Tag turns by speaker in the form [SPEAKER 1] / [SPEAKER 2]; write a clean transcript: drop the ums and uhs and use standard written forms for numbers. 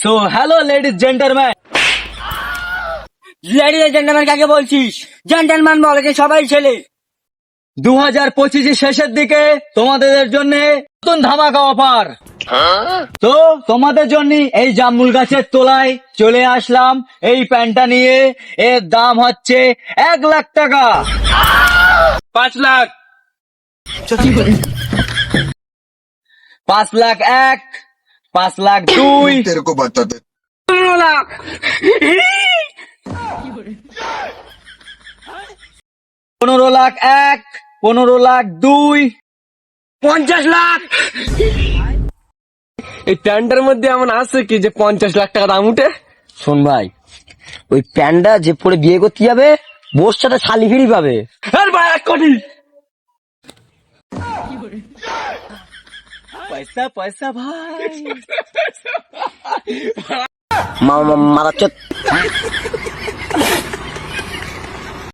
[SPEAKER 1] So hello ladies gentleman.
[SPEAKER 2] Ladies gentleman কাকে বলছিস? Gentleman বলে যে সবাই ছেলে।
[SPEAKER 1] 2025 শেষের দিকে তোমাদের জন্য নতুন ধামাকা অফার। তো তোমাদের জন্য এই জামুল গাছের তলায় চলে আসলাম এই প্যান্টটা নিয়ে। এর দাম হচ্ছে 1,00,000 টাকা।
[SPEAKER 3] 5 লাখ
[SPEAKER 1] 5,01,000, 5,02,000,
[SPEAKER 4] तेरे को बताते
[SPEAKER 2] 15 লাখ
[SPEAKER 1] 15,01,000, 15,02,000,
[SPEAKER 2] 50 লাখ।
[SPEAKER 3] এই প্যান্টের মধ্যে এমন আছে কি যে 50 লাখ টাকা দাম উঠে?
[SPEAKER 2] শোন ভাই, ওই প্যান্ডা যে পরে বিয়ে করতে যাবে বোর সাথে শালি ফিরি পাবে।
[SPEAKER 3] আর ভাই 1 কোটি।
[SPEAKER 1] পয়সা পয়সা ভাই।
[SPEAKER 2] মারা